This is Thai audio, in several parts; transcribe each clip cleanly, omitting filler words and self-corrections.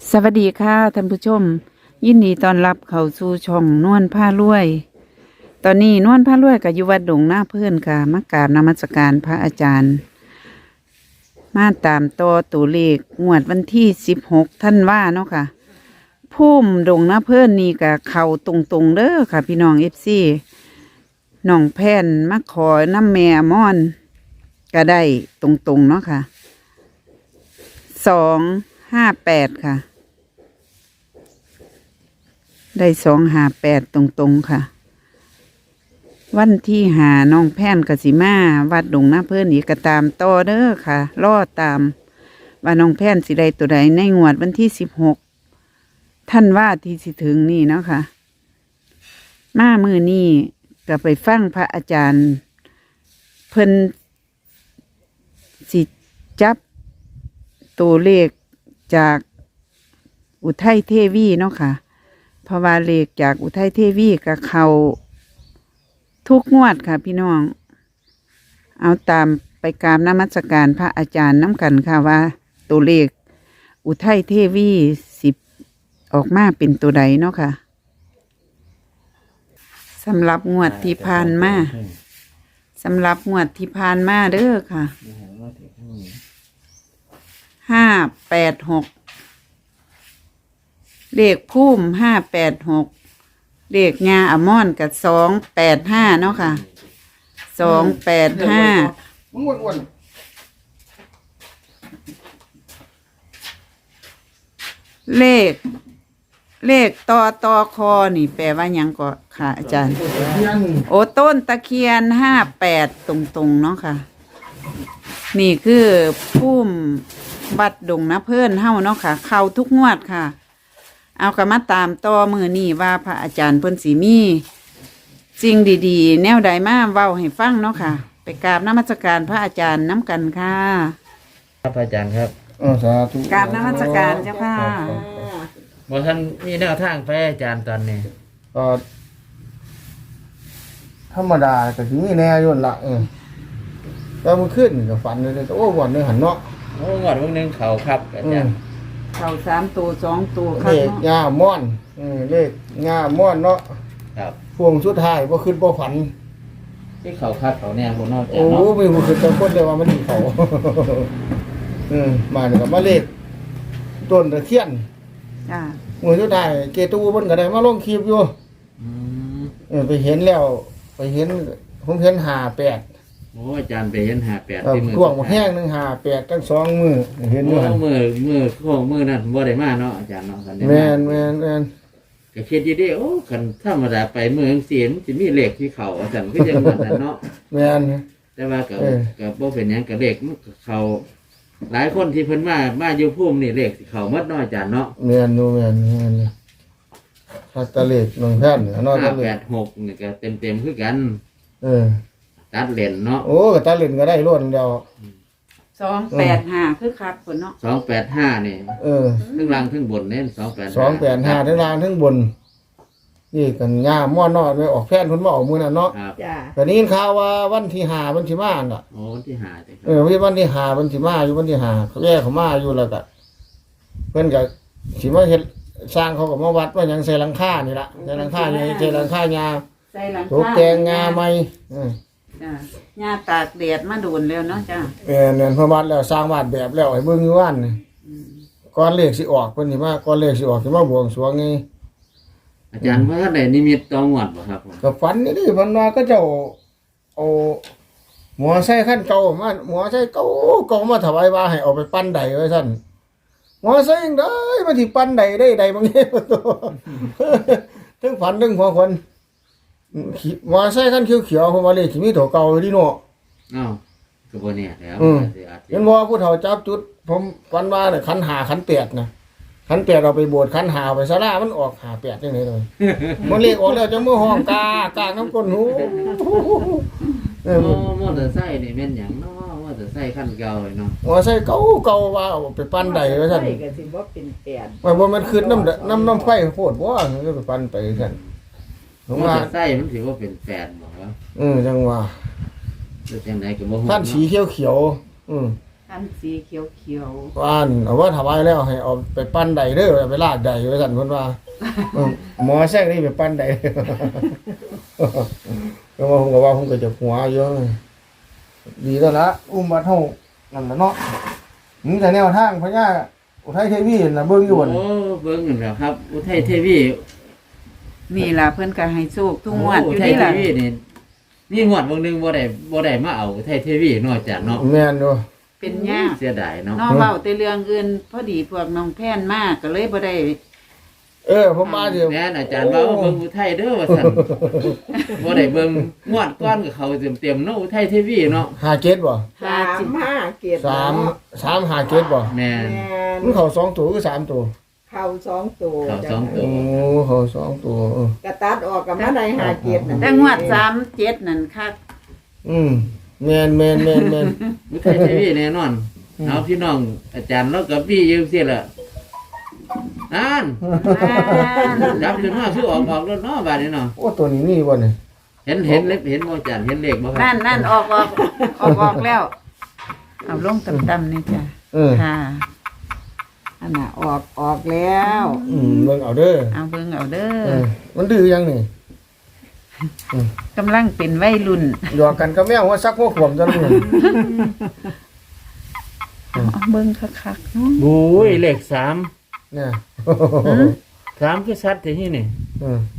สวัสดีค่ะท่านผู้ชมยินดีต้อนรับเข้าสู่ช่องนวลผ้ารวย ตอนนี้นวลผ้ารวยกับอยู่วัดดงหน้าเพื่อนค่ะมากราบนมัสการพระอาจารย์ มาตามต่อตัวเลขงวดวันที่16ธันวาเนาะค่ะพุ่มดงหน้าเพื่อนนี่กับเข่าตรงๆเด้อค่ะพี่น้องFCน้องแพนมาขอน้ำแม่ม่อนก็ได้ตรงๆเนาะค่ะ258ค่ะได้258ตรงๆค่ะวันที่หาน้องแพนกสิมาวัดดงหน้าเพื่อนอีกก็ตามต่อเด้อค่ะรอตามว่าน้องแพนสิได้ตัวใดในงวดวันที่16ธันวาที่สิถึงนี่เนาะค่ะมามือนี่ก็ไปฟังพระอาจารย์เพิ่นสิจับตัวเลขจากอุทัยเทวีเนาะค่ะเพราะว่าเลขจากอุทัยเทวีกับเขาทุกงวดค่ะพี่น้องเอาตามไปกราบนมัสการพระอาจารย์น้ำกันค่ะว่าตัวเลขอุทัยเทวี10ออกมาเป็นตัวใดเนาะค่ะสำหรับงวดที่ผ่านมาเด้อค่ะ586เลขพุ่ม586เลขงาอมอนกับ285เนาะค่ะ285 มึงอ้วนเลขต่อคอนี่แปลว่าหยังก็ค่ะอาจารย์ โอ้ต้นตะเคียน58ตรงๆเนาะค่ะนี่คือพุ่มบัดดงนะเพื่อนเฮาเนาะค่ะเข้าทุกงวดค่ะเอากระมาตามต่อมือนี่ว่าพระอาจารย์เพิ่นสิมีสิ่งดีๆแนวใดมาเว้าให้ฟังเนาะค่ะไปกราบนมัสการพระอาจารย์น้ำกันค่ะครับอาจารย์ครับสาธุกราบนมัสการเจ้าค่ะบ่ท่านมีแนวทางไปอาจารย์ตอนนี้ก็ธรรมดาก็สิมีแน่อยู่นั่นละก็มันขึ้นก็ฝันเลยโอ้วันนึงหันเนาะโอ้งวดวันหนึงเขาครับอาจารย์เข้า3ตัว2ตัวครัเลบขงาม่อนเลขงาม่อนเนาะครับพวงสุดท้ายบ่ขึ้นบ่ฝันที่เขาคัดเขาแน่คนนอกจากโอ้เนาะไม่บ่ขึ้นจังคนเลยว่ามันสิเขา มานี่ก็มาเลขต้นตะเคียนจ้ามื้อสุดท้ายเกตูเพิ่นก็ได้มาลงคลิปอยู่อืมไปเห็นแล้วไปเห็นผมเห็น58 โอ้อาจารย์ไปเห็น58 ครับที่มือช่วงแห้งหนึ่ง58ตั้ง2 มือเห็นโอ้อยู่หั่นมือนั่นบ่ได้มาเนาะอาจารย์เนาะคันได้แม่มาน ก็คิดอยู่เด้โอ้คันธรรมดาไปมือจังซี่มันสิมีเลขที่เขาอาจารย์ก็ยังว่านั่นเนาะแม่นแต่ว่าก็เออก็บ่เป็นหยังก็เลขมันก็เขาหลายคนที่เพิ่นมาอยู่ภูมินี่เลขสิเขาหมดเนาะอาจารย์เนาะแม่นดูแม่นถ้าตะเลกน้องแพนเนาะตะเลก 586นี่ก็เต็มคือกันเออตัดเลนเนาะโอ้ก็ตะเล่นก็ได้ล้วนเดียว 285คือครับคนเนาะ 285นี่เออทั้งล่างทั้งบนเน้น285 285ทั้งล่างทั้งบนนี่กันย่าม่อนเนาะไปออกแพนเพิ่นมาออกมื้อนั้นเนาะครับจ้าก็นี้ข่าวว่าวันที่5มันสิมาน่ะโอ้วันที่5ติคเอรับอวันที่5มันสิมาอยู่วันที่5เขาแยกเขามาอยู่แล้วก็เพิ่นก็สิมาเฮ็ดสร้างเขาก็มาวัดว่าหยังใส่หลังคานี่ล่ะใส่หลังคาใหญ่ใส่หลังคายาใส่หลังตกแต่งงาใหม่จ้าหญ้าตากแดดมาโดนแล้วเนาะจ้าเนี่ยพระวัดแล้วสร้างบ้านแบบแล้วให้เบิ่งอยู่ว่านนี่ก่อนเลขสิออกเพิ่นสิมาก่อนเลขสิออกสิมาบวงสรวงไงอาจารย์ว่าท่านได้นิมิตตองหวัดบ่ครับผมก็ฝันนี่ดิมันว่าก็เจ้าเอาหมอไซค์คันเก่ามาหมอไซค์เก่ามาถวายว่าให้เอาไปปั้นใดไว้ซั่นหมอไซค์จังได้มาสิปั้นใดได้ใดบางแง่ตัวทั้งฝันทั้งหัวคนหมอไซค์คันเขียวๆผมว่าเลขสิมีตัวเก่าอยู่ดิเนาะอ้าวก็บ่แน่แล้ว อาจเห็นบ่ผู้เฒ่าจับจุดผมฝันว่าเนี่ยขันหาขันแปดนะขันแปดเราไปบวชขันหาไปศาลามันออกหาแปดจังได๋เลยมันเลขออกแล้วจังมือห้องกากน้ำก้นหูโอ้มอเตอร์ไซค์นี่แม่นหยังเนาะมอเตอร์ไซค์คันเก่าเลยเนาะหัวใส่เก่าว่าเอาไปปั้นใดไว้ซั่นก็สิบ่เป็นแปดว่าบ่มันขึ้นน้ำไฟโพดบ่ก็ไปปั้นไปซั่นผมมอว่าเตอร์ไซค์มันถือว่าเป็น8บ่ครับจังว่าหรือจังไดก็บ่ฮู้ท่านสีเขียวอันสีเขียวว่านเอาว่าถวายแล้วให้เอาไปปั้นใดเด้อไปลากใดไว้สั่นเพิ่นว่าหมอแซกนี่ไปปั้นใดก็ว่าผมก็จะหัวเยอะดีแล้วละอุ้มบัดเฮานั่นล่ะเนาะมีแต่แนวทางพญาอุทัยเทวีน่ะเบิ่งอยู่บ่นโอ้เบิ่งนั่นแหละครับ อุทัยเทวีๆนี่ล่ะเพิ่นก็ให้โชคทุกงวดอุอยู่ทัยนี่เทล่ะวีนี่มีงวดเบิ่งหนึงบ่ได้มาเอาอุทัยเทวีนอกจากเนาะแม่นอยู่เป็นยากเสียดายเนาะน้องเว้าแต่เรื่องอื่นพอดีพวกน้องแพนมาก็เลยบ่ได้ผมมาเดี๋ยวแม่นอาจารย์ว่าเบิ่งอุทัยเด้อว่าซั่นบ่ได้เบิ่งงวดก้อนกับเขาเต็มๆเนาะอุทัยเทวีเนาะ 57บ่ 3 5 7 357บ่แม่นมันเข้า2ตัวคือ3ตัวเข้า2ตัวเข้าสองตัวเข้า2ตัวกระตัดออกกับมาได้5 7นั่นแต่งวด37นั่นคักแม่นอุทัยเทวีแน่นอนเอาพี่น้องอาจารย์แล้วก็พี่ยืมเสียละนั่นจับขึ้นมาคือออกแล้วเนาะบาดนี้เนาะโอ้ตัวนี้มีบ่เนี่ยเห็นบ่อาจารย์เห็นเลขบ่ครับนั่นออกแล้ว เอาลงต่ำๆนี่จ้ะค่ะอันน่ะออกแล้วเบิ่งเอาเด้อเอาเบิ่งเอาเด้เอออมันดื้อยังนี่กำลังเป็นวัยรุ่นหยอกกันก็แมวว่าซักหัวขวมจังเลยเอาเบิ่งคักๆเนาะโอ้ยเลข3 เนี่ย 3คือชัดที่นี่อืม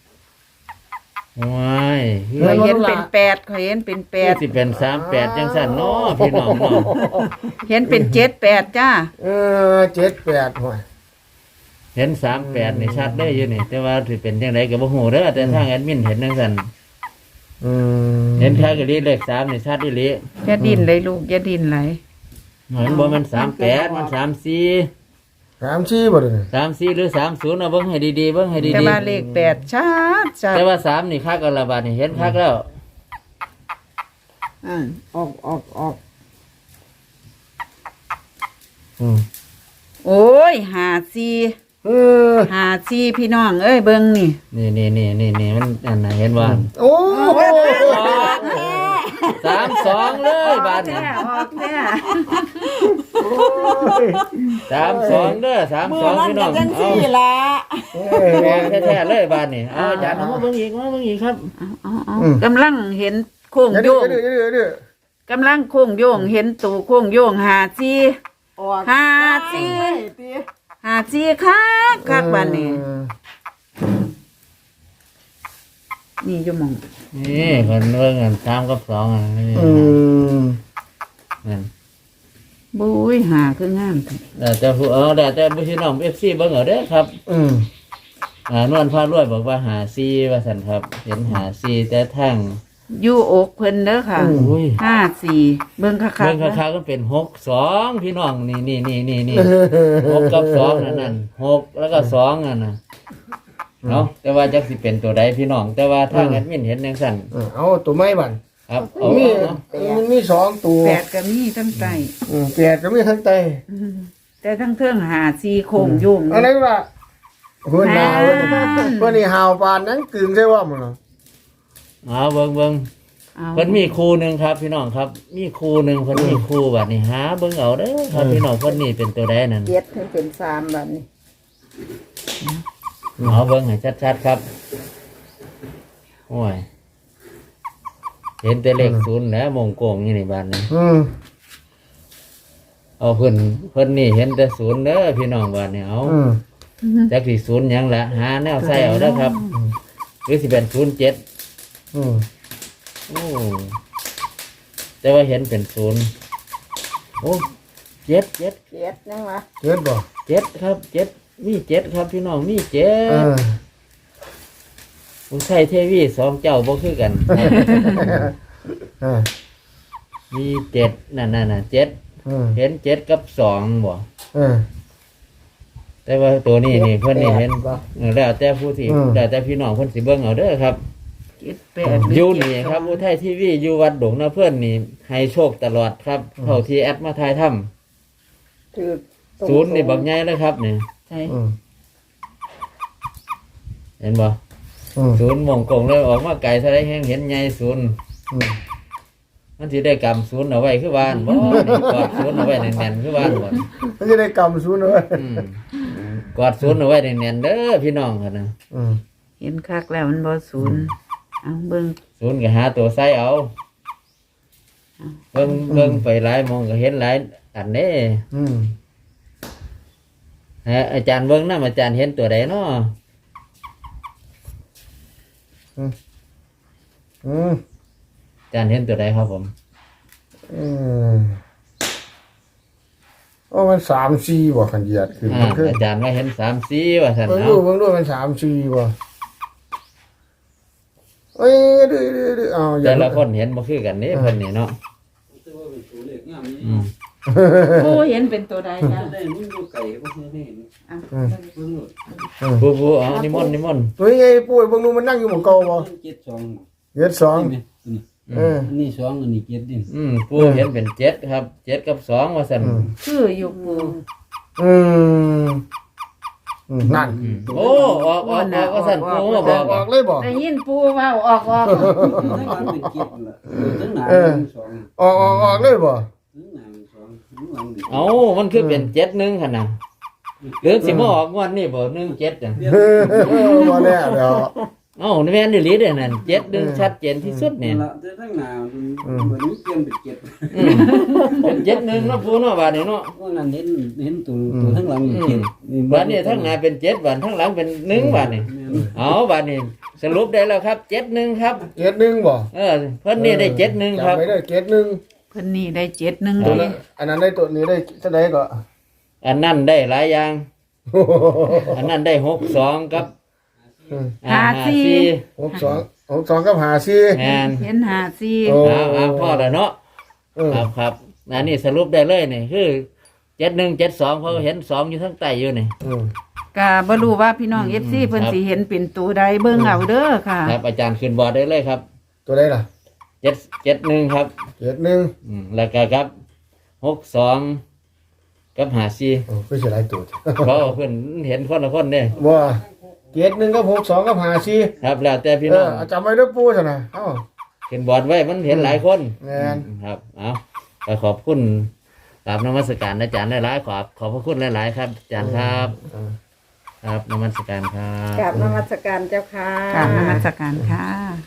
ว้ายข่อยเห็นเป็น8ข่อยเห็นเป็น8 สิเป็น38จังซั่นเนาะพี่น้องเนาะเห็นเป็น78จ้า 78ห่วยเห็น38นี่ชัดได้อยู่นี่แต่ว่าสิเป็นจังไดก็บ่ฮู้เด้อแต่ทางแอดมินเห็นจังซั่น เห็นแท้ก็ลีเลข3นี่ชัดอีหลีอย่าดิ้นเลยลูกอย่าดิ้นไหลเห็นบ่มัน38มัน34 34บ่เด้อ 34หรือ30เอาเบิ่งให้ดีๆเบิ่งให้ดีแต่ๆว่าเลข8ชัดแต่ว่า3นี่คักกันละบาดนี่เห็นคักแล้วออกโอ้ยเออ 54พี่น้องเอ้ยเบิ่งนี่นี่มันอันน่ะเห็นว่าโอ้ 32เลยบาดนี่ออกแท้ 32เด้อ32พี่น้องเอาละแม่แท้ๆเลยบาดนี่เอาอาจารย์เอามาเบิ่งอีกครับเอากำลังเห็นโค้งอย่าโยดื้อง อย่าดื้อกำลังโค้งโยงเห็นตูโค้งโยง54 ออก 54คักบัดนี้นี่อยู่หม่องนี่เพิ่นเบิ่งกัน3กับ2อ่ะนี่ นั่นบุ้ยหาคืองามแท้แล้วแต่ผู้แต่พี่น้อง FC เบิ่งเอาเด้อครับ นวลพารวยบอกว่าหาซีว่าสันครับ เห็นหาซีแต่ทั้งอยู่อกเพิ่นเด้อค่ะอุ้ย 54เบิ่งคักเบิ่งๆนะคาก็เป็น6-2พี่น้องนี่6กับ2นั่น6แล้วก็2นั่นน่ะเนาะแต่ว่าจักสิเป็นตัวใดพี่น้อง แต่ว่าทางแอดมินเห็นจังซั่นเอาตัวไม้บันครับเอามีเนาะมันมี2ตัว 8ก็มีทั้งใต้ 8ก็มีทั้งใต้แต่ทั้งเทิง54โค้งโยงอะไรวะเพิ่นดาวเพิ่นนี่หาวปานนั้นกึ่งใช่ว่ามันเนาะเอาเบิ่งเอาเพิ่นมีครูหนึงครับ พี่น้องครับ มีครูหนึงเพิ่นมีครูบัดนี้หาเบิ่งเอาเด้อครับพี่น้องเพิ่นนี่เป็นตัวใดนั่น 7ถึงเป็น3บัดนี้เอาเบิ่งให้ชัดๆครับโอ้ยเห็นแต่เลข0แล้วมงโกงอยู่นี่บัดนี้ เอาเพิ่นนี่เห็นแต่0เด้อพี่น้องบัดนี้เอา จักสิ0หยังละหาแนวใส่เอาเด้อครับหรือสิเป็น07โอ้แต่ว่าเห็นเป็น0โอ้7 7ยังวะเฮ็ดบ่ 7ครับ7มี7ครับพี่น้องมี7ผู้ใช้เทวี2เจ้าบ่คือกัน มี7นั่นน่ะ7เห็น7กับ2บ่แต่ว่าตัวนี้นี่เพิ่นนี่เห็นแล้วแต่ผู้ที่แล้วแต่พี่น้องเพิ่นสิเบิ่งเอาเด้อครับ 78 อยู่นี่ครับอุทัยทีวีอยู่วัดดงนาเพื่อนนี่ให้โชคตลอดครับเท่าที่แอดมาทายถ้ถือำศูนย์นี่บักใหญ่เลยครับนี่ใช่เห็นบ่ศูนย์มงกงเลยออกมาไกลเท่าไรแห้งเห็นใหญ่ศูนย์มันสิได้กำศูนย์เอาไว้คือบ้านบ่นี่กอดศูนย์เอาไว้แน่นๆคือบ้านบ่มันจะได้กำศูนย์เลยอืมกอดศูนย์เอาไว้แน่นๆเด้อพี่น้องกันนะเห็นคักแล้วมันบ่ศูนย์เอาเบิ่งศูนย์ก็หาตัวใส่เอาเบิ่งไปหลายมองก็เห็นหลายอันเด้ ฮะอาจารย์เบิ่งนำอาจารย์เห็นตัวใดเนาะอาจารย์เห็นตัวใดครับผมโอ้มัน3-4บ่ขันเหยียดคือมันคืออาจารย์ว่าเห็น3-4ว่าซั่นเบิ่งเนาะดูมัน3-4บ่เอ้ยดื้อเอาอย่าแต่ละคนเห็นบ่คือกันนี่เพิ่นนี่เนาะอืมผู้เห็นเป็นตัวใดจ้ะได้มึงอยู่ไก่บ่เคยได้เห็นอ่ะเบิ่งโลดผู้เอานิมนต์ตัวใหญ่ปุ้ยเบิ่งดูมันนั่งอยู่หม้องเก่าบ่เจ็ดสองเหยียดสองนี่นี่ อันนี้สองอันนี้เจ็ดดิผู้เห็นเป็น7ครับ7กับ2ว่าซั่นคืออยู่ปูนั่นโอ้ออกว่าซั่นผู้มาบบ ออก กออกเลยบ่ได้ยินปูเว้าออกทั้งหลังเป็นเจ็ดล่ะทั้งหน้าเป็นสองออกเลยบ่ทั้งหน้าเป็นสองทั้งหลังเป็นเอ้ามันคือเป็น71หั่นน่ะหรือสิมาออกงวดนี้บ่17จังบ่แน่เดี๋ยวเอ้านี่แม่นอีหลีเด้อนั่น71ชัดเจนที่สุดนี่ละแต่ทั้งหน้าเหมือนเปลี่ยนเป็นเจ็ดเป็น71เนาะผู้เนาะบาดนี้เนาะว่านั้นเห็นตัวทั้งหลังเป็นเจ็ดบาดนี้ทั้งหน้าเป็น7บาดทั้งหลังเป็น1บาดนี้เอาบาดนี้สรุปได้แล้วครับ71ครับ 71บ่เพิ่นนี่ได้71ครับจำไม่ได้71 เพิ่นนี่ได้71 ตัวดีนั้นอันนั้นได้ตัวนี้ได้เท่าใดก็อันนั้นได้หลายอย่าง อันนั้นได้62กับ54 62กับ54 แม่นเห็น54 โอ้เอาพอแล้วเนาะครับอันนี้สรุปได้เลยนี่คือ7172เพราะเห็น2อยู่ทั้งใต้อยู่นี่ก็บ่รู้ว่าพี่น้อง FC เพิ่นสิเห็นเป็นตัวใดเบิ่งเอาเด้อค่ะครับอาจารย์ขึ้นบอร์ดได้เลยครับตัวใดล่ะ 771ครับ 71 แล้วก็ครับ62กับ54 โอ้คือสิหลายตัวเพราะว่าเพิ่นเห็นคนละคนเด้บ่71กับ62กับ54 ครับแล้วแต่พี่น้องจำไว้เด้อปู่ซั่นน่ะเอ้าขึ้นบอร์ดไว้มันเห็นหลายคนแม่นครับเอาก็ขอบคุณกราบนมัสการอาจารย์หลายๆขอบพระคุณหลายๆครับอาจารย์ครับ ครับนมัสการครับกราบนมัสการเจ้าค่ะกราบนมัสการค่ะ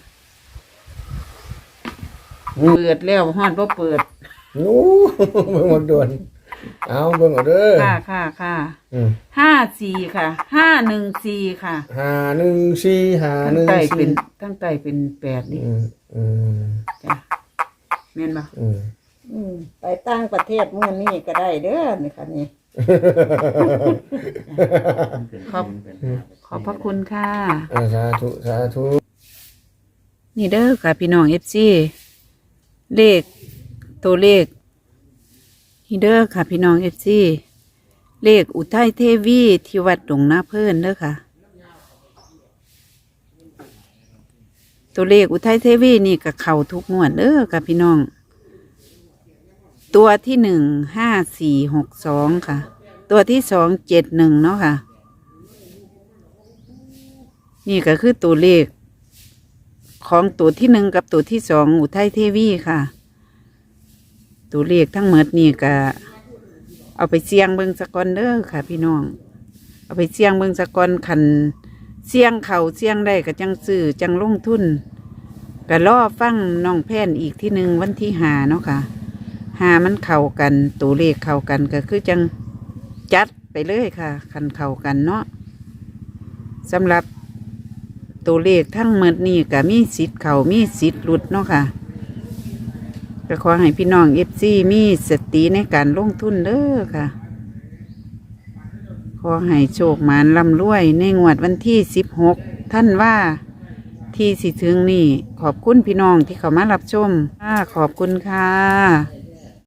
เปิดแล้วฮอดบ่เปิดโอ้เบิ่งหมดด่วนเอาเบิ่งเอาเด้อค่ะอืม 54ค่ะ514ค่ะ 514 ทั้งใต้เป็น 514 ทั้งใต้เป็น8นี่อืมจ้ะแม่นบ่ไปตั้งประเทศมื้อนี้ก็ได้เด้อนี่ค่ะนี่ขอบพระคุณค่ะสาธุนี่เด้อค่ะพี่น้อง FC เลขตัวเลขนี่เด้อค่ะพี่น้อง FC เลขอุทัยเทวีที่วัดดงนาเพิ่นเด้อค่ะ ตัวเลขอุทัยเทวีนี่ก็เข้าทุกงวดเด้อค่ะพี่น้อง ตัวที่15462ค่ะ ตัวที่271เนาะค่ะ นี่ก็คือตัวเลขของตัวที่1กับตัวที่2อุทัยเทวีค่ะ ตัวเลขทั้งหมดนี่ก็เอาไปเสี่ยงเบิ่งสะก่อนเด้อค่ะ พี่น้อง เอาไปเสี่ยงเบิ่งสะก่อนคันเสี่ยงเขาเสี่ยงได้ก็จังซื้อจังลงทุนก็รอฟังน้องแพนอีกที่หนึ่งวันที่5เนาะค่ะ5มันเข้ากันตัวเลขเข้ากันก็คือจังจัดไปเลยค่ะคันเข้ากันเนาะสำหรับตัวเลขทั้งหมดนี่ก็มีสิทธิ์เข้ามีสิทธิ์หลุดเนาะค่ะก็ขอให้พี่น้องFCมีสติในการลงทุนเด้อค่ะ ขอให้โชคหมานร่ำรวยในงวดวันที่16ท่านว่าที่สิถึงนี่ขอบคุณพี่น้องที่เข้ามารับชมขอบคุณค่ะ